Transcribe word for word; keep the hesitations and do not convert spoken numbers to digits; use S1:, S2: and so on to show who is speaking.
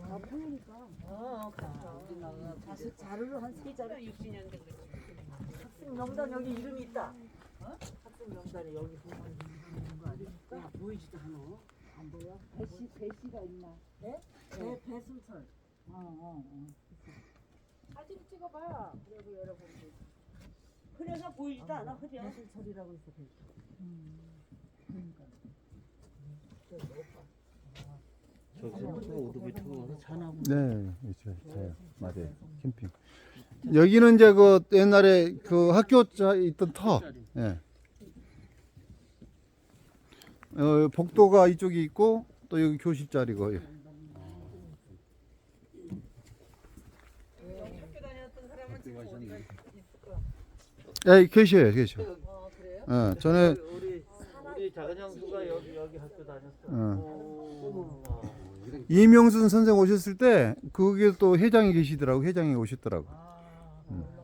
S1: 아, 보이니까.
S2: 어, 가.
S1: 자수 자루를 한 세 자루.
S2: 육십 년 된 거지.
S1: 학생 명단 여기 이름이 있다. 어? 학생 명단에 여기 보면 있는 거 아닙니까?
S2: 보이지도 않아.
S1: 안 보여? 배씨 배씨가 있나? 네? 네, 배순철. 어, 어, 어. 사진 찍어봐. 그리고 여러분들.
S2: 그래서 보이지도 않아, 그죠?
S1: 배순철이라고 있어. 배씨. 음. 그러니까.
S3: 저기서 오토바이 타고 가서 차나고.
S4: 네, 있어요, 있어요. 맞아요. 캠핑. 여기는 이제 그 옛날에 그 학교 자 있던 터. 예. 어, 복도가 이쪽에 있고 또 여기 교실 자리고. 예.
S2: 학교 다녔던 사람은 지금 어디가 있을 거야?
S4: 예, 계셔요, 계셔.
S2: 어, 그래요?
S4: 어, 전에
S3: 우리 우리 작은 형수가 여기 여기 학교 다녔어.
S4: 어,
S3: 어.
S4: 이명순 선생 오셨을 때 거기에 또 회장이 계시더라고. 회장이 오셨더라고.
S3: 아,
S4: 음.